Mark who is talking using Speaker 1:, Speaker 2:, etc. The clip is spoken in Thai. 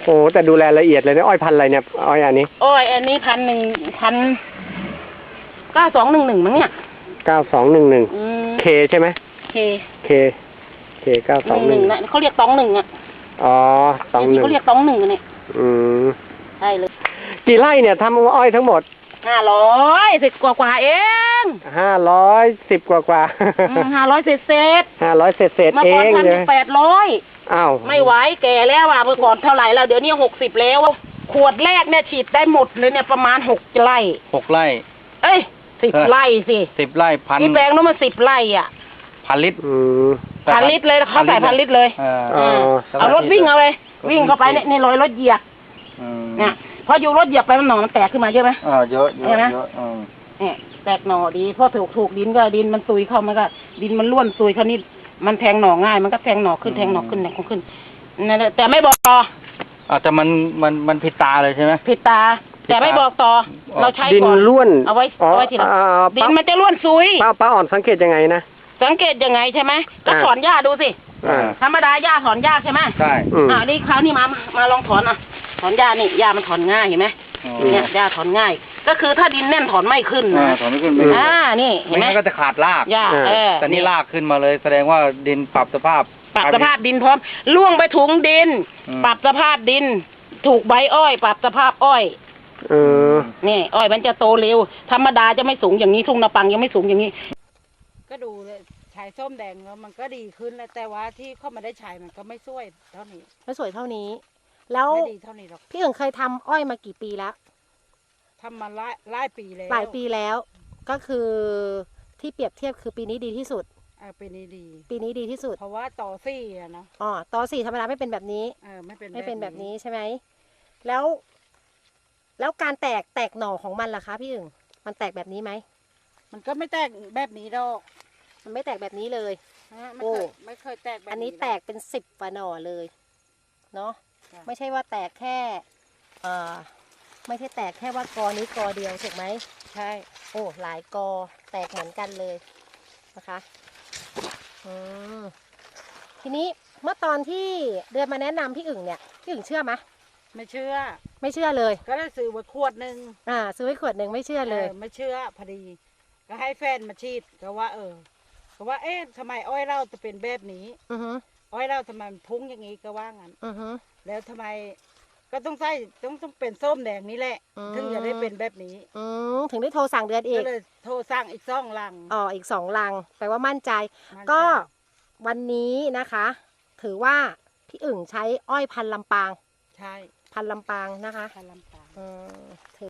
Speaker 1: โอ้แต่ดูแลละเอียดเลยนะอ้อยพันธุ์อะไรเนี่ยอ้อยอันนี้
Speaker 2: อ้อยอันนี้9211มั้งเนี่ย
Speaker 1: 9211เคใช่ไหมเค9211
Speaker 2: นะเขาเรียก21อ่ะ
Speaker 1: อ๋อ21
Speaker 2: เขาเรียก21เนี่ยใช่เลย
Speaker 1: กี่ไร่เนี่ยทำอ้อยทั้งหมด
Speaker 2: 510กว่าเอง
Speaker 1: 510กว่า
Speaker 2: 500เศษ
Speaker 1: เมื่อก่อน
Speaker 2: 1,800อ้าวไม่ไหวแก่แล้วอ่ะเมื่อก่อนเท่าไหร่แล้วเดี๋ยวนี้60แล้วขวดแรกเนี่ยฉีดได้หมดเลยเนี่ยประมาณ6 ไร่เอ้ย10 ไร่สิ
Speaker 1: 10 ไร่พัน
Speaker 2: ที่แปลงนั้นมัน10 ไร่อ่ะ
Speaker 1: 1,000 ลิตร
Speaker 2: 1,000 ลิตรเลยเขาใส่1,000 ลิตรเลยเอารถวิ่งเอาเลยวิ่งเข้าไปเนี่ยรอยรถเหยียบเนี่ยพออยู่รถเหยียบไปมันหน่อมันแตกขึ้นมาเยอะไหม
Speaker 1: เยอะ
Speaker 2: ใช่ไหมเนี่ยแตกหน่อดีเพราะถูกดินก็ดินมันซุยเข้ามันก็ดินมันร่วนซุยเขานี่มันแทงหน่อง่ายมันก็แทงหน่อขึ้นนั่นแหละแต่ไม่บอกต่อ
Speaker 1: แต่มันผิดตาเลยใช่ไหม
Speaker 2: ผิดตาแต่ไม่บอกต่อเราใช้
Speaker 1: ดินร่วน
Speaker 2: เอาไว้ทีหลังดินมันจะร่วนซุย
Speaker 1: ป้าอ่อนสังเกตยังไงนะ
Speaker 2: สังเกตยังไงใช่ไหมก็ถอนหญ้าดูสิธรรมดาหญ้าถอนยากใช่ไหม
Speaker 1: ใช่
Speaker 2: นี่คราวนี้มาลองถอนถอนหญ้านี่หญ้ามันถอนง่ายเห็นไหมเนี่ยหญ้าถอนง่ายก็คือถ้าดินแน่นถอนไม่ขึ้นนะ
Speaker 1: ถอนไม่ขึ้น
Speaker 2: นี่เห็นไหม
Speaker 1: ก็จะขาดราก
Speaker 2: หญ้า
Speaker 1: แต่นี่รากขึ้นมาเลยแสดงว่าดินปรับสภาพ
Speaker 2: ดินพร้อมล่วงไปถุงดินปรับสภาพดินถูกใบอ้อยปรับสภาพอ้อยนี่อ้อยมันจะโตเร็วธรรมดาจะไม่สูงอย่างนี้ทุ่งนาปังยังไม่สูงอย่างนี้ก็ดูเลยฉายส้มแดงแล้วมันก็ดีขึ้นแล้วแต่ว่าที่เข้ามาได้ฉายมันก็ไม่สวยเท่านี้
Speaker 3: ไม่สวยเท่านี้แล้ว
Speaker 2: ไม่ดีเท่านี้หรอก
Speaker 3: พี่เอิงเคยทำอ้อยมากี่ปีแล้ว
Speaker 2: ทำมาหลายปีแล้ว
Speaker 3: หลายปีแล้วก็คือที่เปรียบเทียบคือปีนี้ดีที่สุด
Speaker 2: ปีนี้
Speaker 3: ดีที่สุด
Speaker 2: เพราะว่าต่อ4อะเนาะ
Speaker 3: ต่อ4ธรรมดาไม่เป็นแบบนี้
Speaker 2: ไม่เป็น
Speaker 3: แบบนี้ใช่ไหมแล้วการแตกหน่อของมันล่ะคะพี่เอิงมันแตกแบบนี้ไหม
Speaker 2: มันก็ไม่แตกแบบนี้ดอก
Speaker 3: มันไม่แตกแบบนี้เลย
Speaker 2: ไม่เคยแตกแบบนี้
Speaker 3: อันนี้แตกเป็น10 กว่าหน่อเลยเนาะไม่ใช่ว่าแตกแค่ไม่ใช่แตกแค่ว่ากอนี้กอเดียวถูกไหม
Speaker 2: ใช่
Speaker 3: หลายกอแตกเหมือนกันเลยนะคะทีนี้เมื่อตอนที่เดือนมาแนะนำพี่อึ่งเนี่ยพี่อึ่งเชื่อไหม
Speaker 2: ไม่เชื่อ
Speaker 3: เลย
Speaker 2: ก็ได้ซื้อไว้ขวดนึง
Speaker 3: ซื้อไว้ขวดนึงไม่เชื่อเลย
Speaker 2: ไม่เชื่อพอดีก็ให้แฟนมาฉีดก็ว่าทำไมอ้อยเราจะเป็นแบบนี้อ้อยเราทำไมพุ่งอย่างนี้ก็ว่างั้นแล้วทำไมก็ต้องเป็นส้มแดงนี่แหละถึงจะได้เป็นแบบนี้
Speaker 3: ถึงได้โทรสั่งเดือนอีก
Speaker 2: ก็เลยโทรสั่งอีก2 ลัง
Speaker 3: อีก2 ลังแปลว่ามั่นใจก็วันนี้นะคะถือว่าพี่อึ่งใช้อ้อยพันธุ์ลำปาง
Speaker 2: ใช่
Speaker 3: พันธุ์ลำปางนะคะ
Speaker 2: พันธุ์ลำปาง